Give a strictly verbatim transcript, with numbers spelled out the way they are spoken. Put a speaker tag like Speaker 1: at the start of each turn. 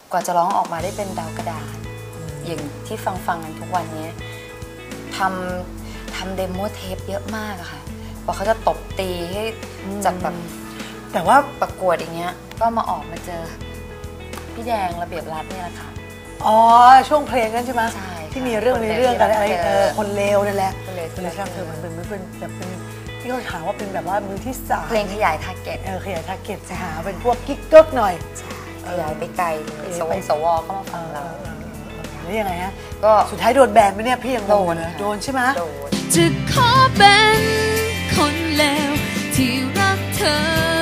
Speaker 1: กว่าจะร้องออกมาได้เป็นดาวกระดาษอย่างที่ฟังฟังกันทุกวันนี้ทำทำเดโมเทปเยอะมากอะค่ะกว่าเขาจะตบตีให้จากแบบ
Speaker 2: แต่ว่า
Speaker 1: ประกวดอย่างเงี้ยก็มาออกมาเจอพี่แดงระเบียบรัฐเนี่ยแหละค่ะ
Speaker 2: อ๋อช่วงเพลงนั้นใช่ไหม
Speaker 1: ใช่
Speaker 2: ที่มีเรื่องในเรื่องกันอะไรเออคนเลวนั่นแหละคนเลวคนเลวเธอมันเป็นมันเป็นแบบเป็นที่เขาถามว่าเป็นแบบว่ามือที่สาม
Speaker 1: เพลงขยายทาร์เก็ต
Speaker 2: เออขยายทาร์เก็ตหาเป็นพวกกิ๊กเกิ๊กหน่อย
Speaker 1: ขยายไปไกลสวสวเข้ามาฟังเรา
Speaker 2: แล้วยังไงฮะ
Speaker 1: ก็
Speaker 2: สุดท้ายโดนแบนไหมเนี่ยพี่ยังโดนโดนใช่ไหม
Speaker 3: จะขอเป็นคนเลวที่รักเธอ